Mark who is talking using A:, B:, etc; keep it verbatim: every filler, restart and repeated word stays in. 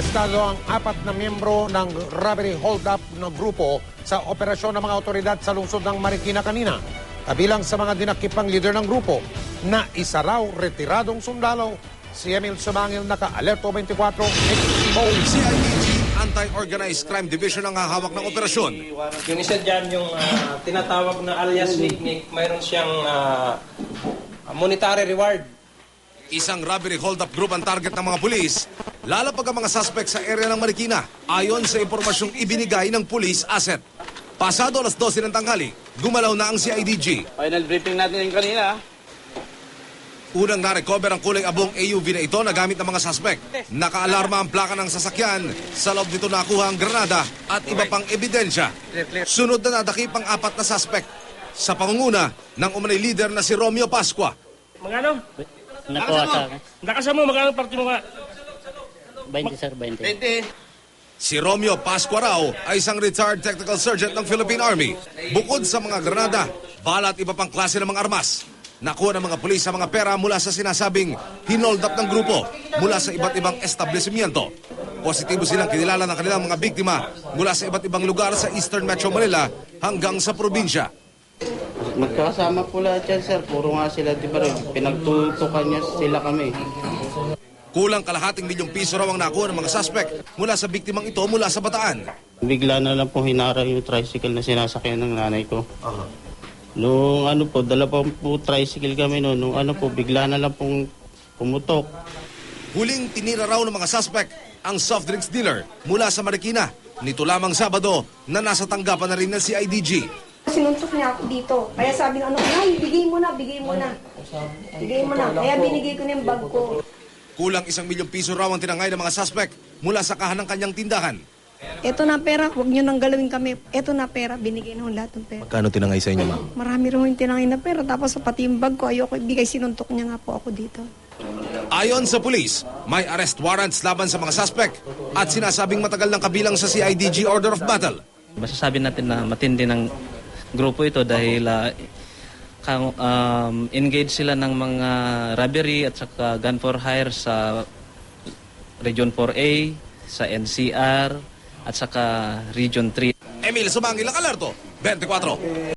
A: Arestado ang apat na miyembro ng robbery hold-up na grupo sa operasyon ng mga otoridad sa lungsod ng Marikina kanina. Kabilang sa mga dinakipang leader ng grupo na isa raw retiradong sundalo. Si Emil Sumangil, naka-Alerto twenty-four, Expo.
B: C I D G Anti-Organized Crime Division ang hahawak ng operasyon.
C: Yung isa dyan, yung uh, tinatawag na alias Nick-Nick, mayroon siyang uh, monetary reward.
B: Isang robbery hold-up group ang target ng mga pulis. Lalapag ang mga suspect sa area ng Marikina ayon sa impormasyong ibinigay ng police asset. Pasado alas dose ng tanghali, gumalaw na ang C I D G.
D: Final briefing natin yung kanina.
B: Unang na-recover ang kulay abong A U V na ito na gamit ng mga suspect. Nakaalarma ang plaka ng sasakyan. Sa loob nito nakuha ang granada at iba pang ebidensya. Sunod na nadakip ang apat na suspect sa pangunguna ng umanay leader na si Romeo Pascua.
C: Magano?
E: Nakuha sa akin.
C: Nakasama mo, magano party mo nga?
E: twenty, sir, twenty.
C: twenty.
B: Si Romeo Pascua raw ay isang retired technical sergeant ng Philippine Army. Bukod sa mga granada, bala at iba pang klase ng mga armas. Nakuha ng mga pulis sa mga pera mula sa sinasabing hinold up ng grupo mula sa iba't ibang establishmento. Positibo silang kinilala ng kanilang mga biktima mula sa iba't ibang lugar sa Eastern Metro Manila hanggang sa probinsya.
D: Magkakasama po lahat yan, sir. Puro nga sila, di ba rin? Pinagtutukan niya sila kami.
B: Kulang kalahating milyong piso raw ang nakuha ng mga suspect mula sa biktimang ito mula sa Bataan.
D: Bigla na lang po hinara yung tricycle na sinasakyan ng nanay ko. Uh-huh. Nung ano po, dala pa po tricycle kami noon. Nung ano po, bigla na lang pong pumutok.
B: Huling tinira raw ng mga suspect ang soft drinks dealer mula sa Marikina. Nito lamang Sabado na nasa tanggapan na rin ng C I D G.
F: Sinuntok niya ako dito. Kaya sabi ng ano, ay, bigay mo na, bigay mo na. Bigay mo na. Kaya binigay ko na yung bag ko.
B: Kulang isang milyong piso raw ang tinangay ng mga suspect mula sa kahan ng kanyang tindahan.
F: Eto na pera, huwag nyo nang galawin kami. Eto na pera, binigay na lahat ng pera.
G: Magkano tinangay sa inyo, ma'am?
F: Marami rin yung tinangay na pera. Tapos pati yung bag ko, ayoko ibigay, sinuntok niya nga po ako dito.
B: Ayon sa pulis, may arrest warrants laban sa mga suspect at sinasabing matagal ng kabilang sa C I D G Order of Battle.
H: Masasabi natin na matindi ng grupo ito dahil uh, um, engage sila ng mga robbery at saka gun for hire sa Region four A, sa N C R at saka Region three.
B: Emil Sumangil, Alerto twenty-four.